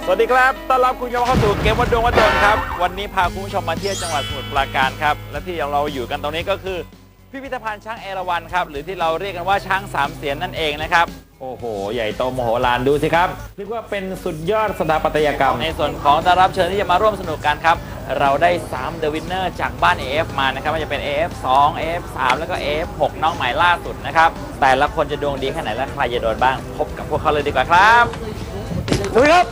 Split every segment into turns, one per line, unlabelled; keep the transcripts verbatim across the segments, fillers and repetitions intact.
สวัสดีครับต้อนรับคุณผู้ชมเข้าสู่เกมวัดดวงวัดดนครับวันนี้พาคุณผู้ชมมาเที่ยวจังหวัดสมุทรปราการครับและที่เราอยู่กันตรงนี้ก็คือพิพิธภัณฑ์ช้างเอราวัณครับหรือที่เราเรียกกันว่าช้างสามเสียนนั่นเองนะครับโอ้โหใหญ่โตมโหฬารดูสิครับเรียกว่าเป็นสุดยอดสถาปัตยกรรมในส่วนของต้อนรับเชิญที่จะมาร่วมสนุกกันครับเราได้สาม The Winner จากบ้าน เอ เอฟ มานะครับว่าจะเป็น เอ เอฟ สอง เอ เอฟ สาม แล้วก็ เอ เอฟ หก น้องใหม่ล่าสุดนะครับแต่ละคนจะดวงดีแค่ไหนและใครจะโดนบ้างพบกับพวกเขาเลยดีกว่าครับดูครับ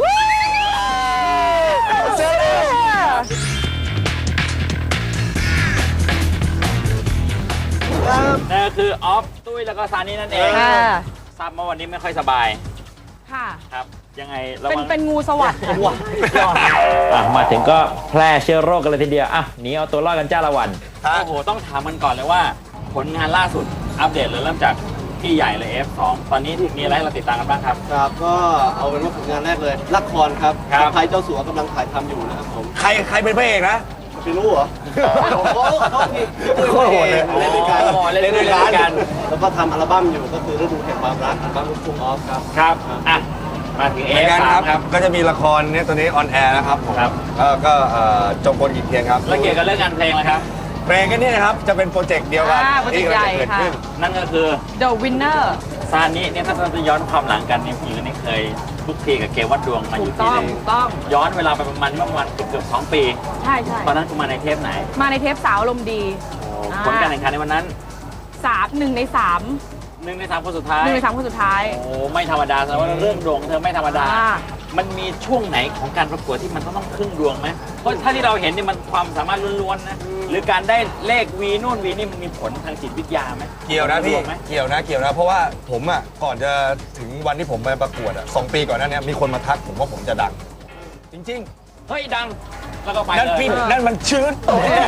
นั่นก็คือออฟตุ้ยแล้วก็ซานี่นั่นเองทราบมาวันนี้ไม่ค่อยสบาย
ค่ะ
ครับยังไง
เป็นเป็นงูสวัสดิ์
ค่ะมาถึงก็แพร่เชื้อโรคกันเลยทีเดียวอ่ะหนีเอาตัวรอดกันจ้าละวันโอ้โหต้องถามมันก่อนเลยว่าผลงานล่าสุดอัปเดตเลยเริ่มจากพี่ใหญ่เลย เอฟ สอง ตอนนี้มีอะไรให้เราติดตามกันบ้างครับ
ครับก็เอาเป็นว่าผลงานแรกเลยละครครับไทยเจ้าสัวกำลังถ่ายทำอยู่นะครับผม
ใครใครเป็นพระเอกนะ
พี่รู้เหรอโอ้โหโคตรโหดเลยเล่นด้วยกัน
เล่นด้วยกัน
แล้วก็ทำอัลบั้มอยู่ก็คือฤดูแห่งความรักอัลบั้มลูกทุ่งออฟครับ
ครับอ่ะมาถึง เอ เอฟ สาม ครับ
ก็จะมีละครเนี่ยตัวนี้ออนแอร์นะครับผมก็จงกลกิจเทียนครับ
แล้วเกี่ยวกับเรื่องงานเพลงนะครับ
เพลงกันนี่นะครับจะเป็นโปรเจกต์เดียวกัน
ที่กำลังจะ
เกิดขึ้นนั่นก็คือ
The Winner
ซานิเนี่ยถ้าเราจะย้อนความหลังกันนี่พี่นี่เคยทุกทีกับเกมวัดดวงมาอยู่ที่
นี่ถูกต้อง
ย้อนเวลาไปประมาณเมื่อวันเกือบสองปี
ใช่ใช่
ตอนนั้นคุณมาในเทปไหน
มาในเทปสาวลมดี
ผลการแข่งขันในวันนั้น
สามหนึ่งในสาม
หนึ่งในสามคนสุดท้าย
หนึ่งในสามคนสุดท้าย
โอ้ไม่ธรรมดาแสดงว่าเรื่องดวงเธอไม่ธรรมดามันมีช่วงไหนของการประกวดที่มันต้องต้องพึ่งดวงไหมเพราะถ้าที่เราเห็นนี่มันความสามารถล้วนๆนะหรือการได้เลขวีนู่นวีนี่มันมีผลทางจิตวิทยาไหม
เกี่ยวนะพี่เกี่ยวนะเกี่ยวนะเพราะว่าผมอ่ะก่อนจะถึงวันที่ผมไปประกวดอ่ะสองปีก่อนหน้านี้มีคนมาทักผมว่าผมจะดังจริง
ๆเฮ้ยดังแล้วก็ไปเลย
นั่นพี่นั่นมันชื้น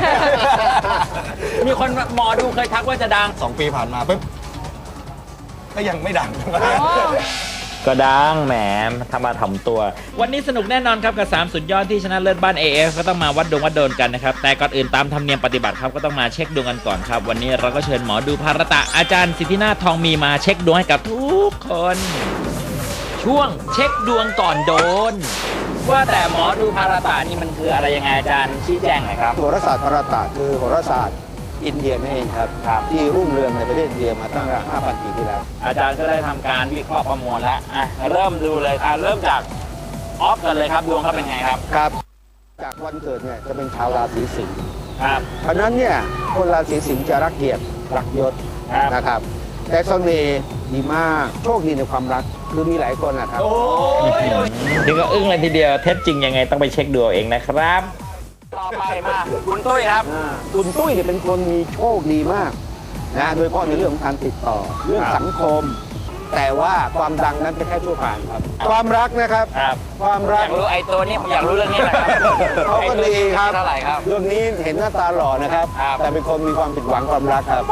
มีคนหมอดูเคยทักว่าจะดัง
สองปีผ่านมาปุ๊บก็ยังไม่ดัง
ก็ดังแหมทำมาถ่อมตัววันนี้สนุกแน่นอนครับกับสามสุดยอดที่ชนะเลิศบ้าน เอ เอฟ ก็ต้องมาวัดดวงวัดโดนกันนะครับแต่ก่อนอื่นตามธรรมเนียมปฏิบัติครับก็ต้องมาเช็คดวงกันก่อนครับวันนี้เราก็เชิญหมอดูภารตะอาจารย์สิทธินาถทองมีมาเช็คดวงให้กับทุกคนช่วงเช็คดวงก่อนโดนว่าแต่หมอดูภารตะนี่มันคืออะไรยังไงอาจารย์ชี้แจงหน่อยครับ
โหราศาสตร์ภารตะคือโหราศาสตร์อินเดียนั่นเองครับที่รุ่งเรืองในประเทศอินเดียมาตั้งแต่ ห้าพัน ปีที่แล้ว
อาจารย์ก็ได้ทำการวิเคราะห์ประมวลแล้วอ่ะเริ่มดูเลยอ่ะเริ่มจากออฟกันเลยครับดวงเขาเป็นไงครับ
ครับจากวันเกิดเนี่ยจะเป็นชาวราศีสิงห์
ครับ
เพราะนั้นเนี่ยคนราศีสิงห์จะรักเกียรติรักยศนะครับแต่เสน่ห์ดีมากโชคดีในความรักคือมีหลายคนนะครับ
นี่ก็อึ้งเลยทีเดียวเท็จจริงยังไงต้องไปเช็คดูเองนะครับต่อไปมาคุณตุ้ยครับ
คุณตุ้ยเนี่ยเป็นคนมีโชคดีมากนะโดยเฉพาะในเรื่องของการติดต่อเรื่องสังคมแต่ว่าความดังนั้นเป็นแค่ชั่วคราวครับความรักนะครับความรัก
อยากรู้ไอ้ตัวนี้ผมอยากรู้เรื่องนี้นะครับ
เขาก็ดีครับ
เท่าไหร่ครับ
เรื่องนี้เห็นหน้าตาหล่อนะครับแต่เป็นคนมีความผิดหวังความรักครับ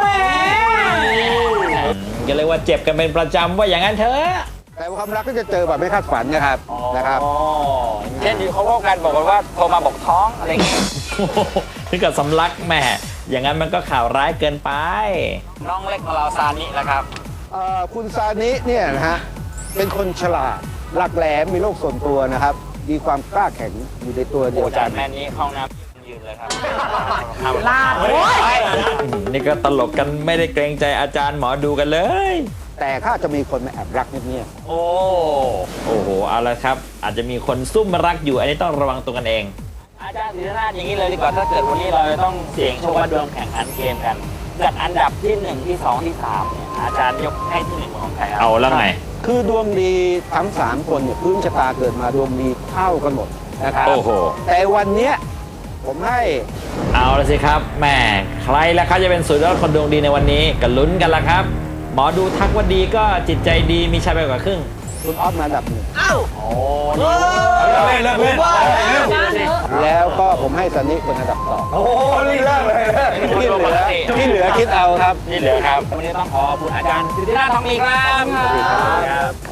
ก็เลยว่าเจ็บกันเป็นประจำว่าอย่างนั้นเถอะ
แต่ความรักก็จะเจอแบบไม่คาดฝันนะครับนะครับ
เช่นที่เขาบอกกันบอกว่าโทรมาบอกท้องอะไรอย่างเงี้ยถึงกับสำลักแม่อย่างนั้นมันก็ข่าวร้ายเกินไปน้องเล็กของเราซานิแล้วครับ
คุณซานิเนี่ยนะฮะเป็นคนฉลาดหลักแหลมมีโลกส่วนตัวนะครับมีความกล้าแข็งอยู่ในตัวเดียวกัน
แม่นี้ห้องน้ำยืนเลยครับ
ลาด
นี่ก็ตลกกันไม่ได้เกรงใจอาจารย์หมอดูกันเลย
แต่ถ้าจะมีคนมาแอบรักเงียบ
ๆโอ้โอ้โหเอาละครับอาจจะมีคนซุ่มรักอยู่อันนี้ต้องระวังตัวกันเองอาจารย์ศิรินาถอย่างนี้เลยดีกว่าถ้าเกิดวันนี้เราต้องเสี่ยงโชคว่าดวงแข่งขันเกมกันจากอันดับที่หนึ่งที่สองที่สามเนี่ยอาจารย์ยกให้ที่หนึ่งของใครเอาแล้วไง
คือดวงดีทั้งสามคนเนี่ยพื้นชะตาเกิดมาดวงดีเท่ากันหมดนะครับ
โอ้โห
แต่วันนี้ผมให้
เอาละสิครับแหมใครล่ะครับจะเป็นสุดยอดคนดวงดีในวันนี้ก็ลุ้นกันละครับหมอดูทักว่าดีก็จิตใจดีมีชายไปกว่าครึ่ง
คุณออฟมาอันดับหนึ่ง
อ้าว
โอ้เล่นเล่นเล่น
แล้วก็ผมให้ซันนี่เป็นอันดับสอง
โอ้นี่เลิกเลย
ที่เหลือที่เหลือคิดเอาครับ
ที่เหลือครับวันนี้ต้องขอขอบคุณอาจารย์ศิรินาถทองมีครับ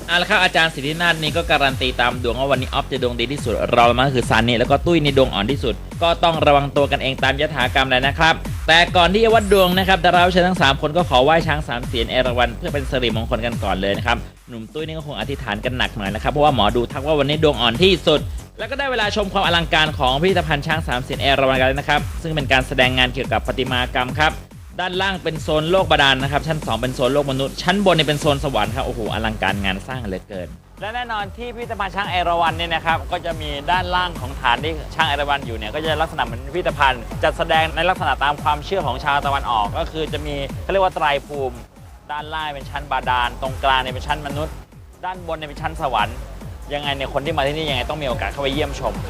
เอาละครับอาจารย์สิทธินาถนี่ก็การันตีตามดวงว่าวันนี้ออฟจะดวงดีที่สุดเรามาคือซันนี่แล้วก็ตุ้ยในดวงอ่อนที่สุดก็ต้องระวังตัวกันเองตามยถากรรมเลยนะครับแต่ก่อนที่จะวัดดวงนะครับดาราเชิญทั้งสามคนก็ขอไหว้ช้างสามเสียนเอราวัณเพื่อเป็นสิริมงคลกันก่อนเลยนะครับหนุ่มตุ้ยนี่ก็คงอธิษฐานกันหนักหน่อยนะครับเพราะว่าหมอดูทักว่าวันนี้ดวงอ่อนที่สุดแล้วก็ได้เวลาชมความอลังการของพิพิธภัณฑ์ช้างสามเสียนเอราวัณกันแล้วนะครับซึ่งเป็นการแสดงงานเกี่ยวกับประติมากรรมครับด้านล่างเป็นโซนโลกบาดาลนะครับชั้นสองเป็นโซนโลกมนุษย์ชั้นบนเนี่ยเป็นโซนสวรรค์ครับโอ้โหอลังการงานสร้างเหลือเกินและแน่นอนที่พิพิธภัณฑ์ช้างเอราวัณเนี่ยนะครับก็จะมีด้านล่างของฐานที่ช้างเอราวัณอยู่เนี่ยก็จะลักษณะเหมือนพิพิธภัณฑ์จัดแสดงในลักษณะตามความเชื่อของชาวตะวันออกก็คือจะมีเขาเรียกว่าไตรภูมิด้านล่างเป็นชั้นบาดาลตรงกลางเนี่ยเป็นชั้นมนุษย์ด้านบนเนี่ยเป็นชั้นสวรรค์ยังไงเนี่ยคนที่มาที่นี่ยังไงต้องมีโอกาสเข้าไปเยี่ยมชม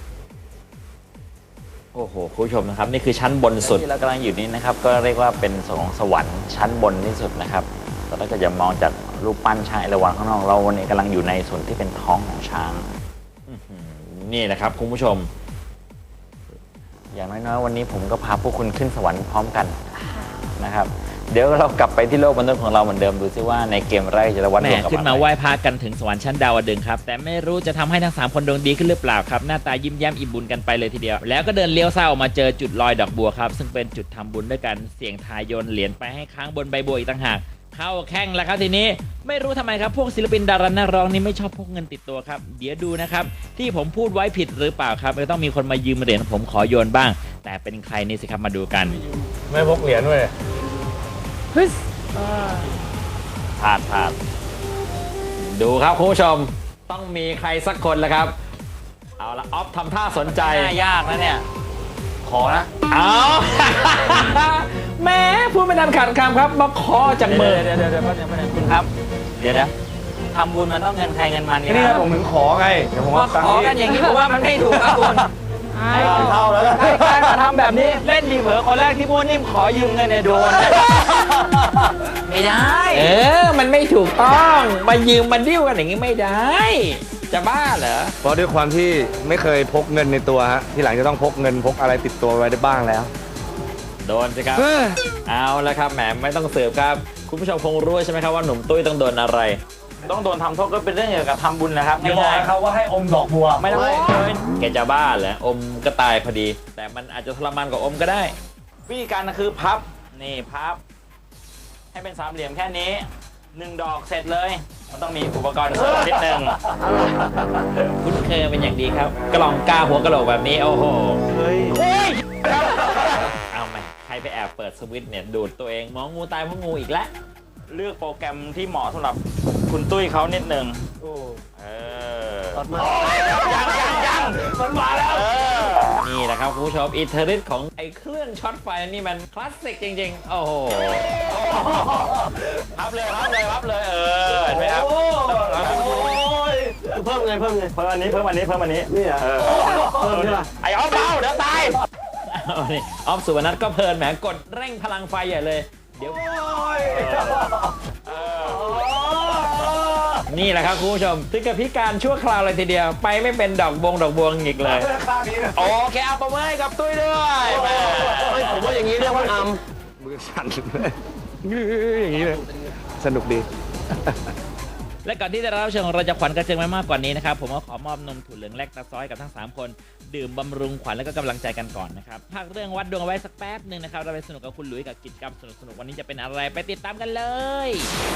โอ้โหคุณผู้ชมนะครับนี่คือชั้นบนสุดที่เรากำลังอยู่นี้นะครับก็เรียกว่าเป็นส่วนของสวรรค์ชั้นบนที่สุดนะครับแต่ถ้าเกิดจะมองจากรูปปั้นช้างเอราวัณข้างนอกเราวันนี้กำลังอยู่ในส่วนที่เป็นท้องของช้างนี่แหละครับคุณผู้ชมอย่างน้อยๆวันนี้ผมก็พาพวกคุณขึ้นสวรรค์พร้อมกันนะครับเดี๋ยวเรากลับไปที่โลกมนุษย์ของเราเหมือนเดิมดูซิว่าในเกมแรกจะวัดดวงกับขึ้นมาไหว้พระกันถึงสวรรค์ชั้นดาวดึงส์ครับแต่ไม่รู้จะทำให้ทั้งสามคนดวงดีขึ้นหรือเปล่าครับหน้าตายิ้มแย้มอิ่มบุญกันไปเลยทีเดียวแล้วก็เดินเลี้ยวซ้ายออกมาเจอจุดลอยดอกบัวครับซึ่งเป็นจุดทำบุญด้วยกันเสี่ยงทายโยนเหรียญไปให้ค้างบนใบบัวอีกต่างหากเข้าแข่งแล้วครับทีนี้ไม่รู้ทำไมครับพวกศิลปินดารานักร้องนี่ไม่ชอบพกเงินติดตัวครับเดี๋ยวดูนะครับที่ผมพูดไว้ผิดหรือเปล่าครับไม่ต้องมีคนมายืมเหรียญผมขอโยนบ้างแต่เป็นใครนี่สิครับมาดูกัน
ไม่พกเหรียญด้วย
ฮึส
พลาดพลาดดูครับคุณผู้ชมต้องมีใครสักคนแล้วครับเอาละออฟทำท่าสนใจยากนะเนี่ยขอนะเอา แม่พูดไม่ทันขาดคำครับมาขอจากมือเดี๋ยวเดี๋ยวเดี๋ยวคุณครับเดี๋ยวนะทำบุญมันต้องเงินใครเงินมันนี่
นี่
นะ
ผมถึงขอไงเดี๋ยวผม
มา
ว่าตัง
ขอ
ค์
กันอย่างนี้ผมว่ามันไม่ถูกครับคุณ
เท่าแล้ว
ให้การมาทำแบบนี้เล่นดีเผลอคนแรกที่พูดนิ่มขอยืมเงินเนี่ยโดนไม่ได้เออมันไม่ถูกต้องมายืมมันดิ้วกันอย่างนี้ไม่ได้จะบ้าเหรอ
เพราะด้วยความที่ไม่เคยพกเงินในตัวฮะที่หลังจะต้องพกเงินพกอะไรติดตัวไว้ได้บ้างแล้ว
โดนสิครับเอาละครับแหมไม่ต้องเสิร์ฟครับคุณผู้ชมคงรู้ใช่ไหมครับว่าหนุ่มตุ้ยต้องโดนอะไร ต้องโดนทำโทษก็เป็นเรื่องเกี่ยวกับทำบุญนะครับ
อย่าบอกเขาว่าให้อมดอกบัว
ไม่ต้องเลยแกจะบ้าเหรออมก็ตายพอดี แต่มันอาจจะทรมานกว่าอมก็ได้วิธีการคือพับนี่พับให้เป็นสามเหลี่ยมแค่นี้หนึ่งดอกเสร็จเลยมันต้องมีอุปกรณ์เสริมนิดนึงคุ้นเคยเป็นอย่างดีครับกล่องกาหัวกะโหลกแบบนี้โอ้โหเฮ้ยเอาไหมใครไปแอบเปิดสวิตช์เนี่ยดูดตัวเองมองงูตายเพราะงูอีกแล้วเลือกโปรแกรมที่เหมาะสำหรับคุณตุ้ยเขานิดนึงเออยังยังยังมันมาแล้วนี่แหละครับคุณผู้ชมอิทธิฤทธิ์ของไอ้เครื่องช็อตไฟนี่มันคลาสสิกจริงๆโอ้โหพับเลยพับเลยพับเลยเออเห็นไหมครับเพิ่มไงเพิ่มไงเพิ่มอันนี้เพิ่มอันนี้เพิ่มอันนี้นี่อ่ะเพิ่มใช่ป่ะไอ้ออฟเบาเดี๋ยวตายออฟสุวรรณัทก็เพลินแหมกดเร่งพลังไฟใหญ่เลยเดี๋ยวนี่แหละครับคุณผู้ชมถึงกับพิการชั่วคราวเลยทีเดียวไปไม่เป็นดอกบงดอกบวงอีกเลยโอเคเอาประเมินกับตุ้ยด้วยผมว่าอย่างนี้เรียกว่าอัม
มือสั่นอย่างนี้เลยสนุกดี
และก่อนที่จะรับเชิญของเราจะขวัญกระเจิงไปมากกว่านี้นะครับผมก็ขอมอบนมถั่วเหลืองแลคตาซอยกับทั้งสามคนดื่มบำรุงขวัญและก็กำลังใจกันก่อนนะครับพักเรื่องวัดดวงเอาไว้สักแป๊บหนึ่งนะครับเราไปสนุกกับคุณหลุยส์กับกิจกรรมสนุกๆวันนี้จะเป็นอะไรไปติดตามกันเลย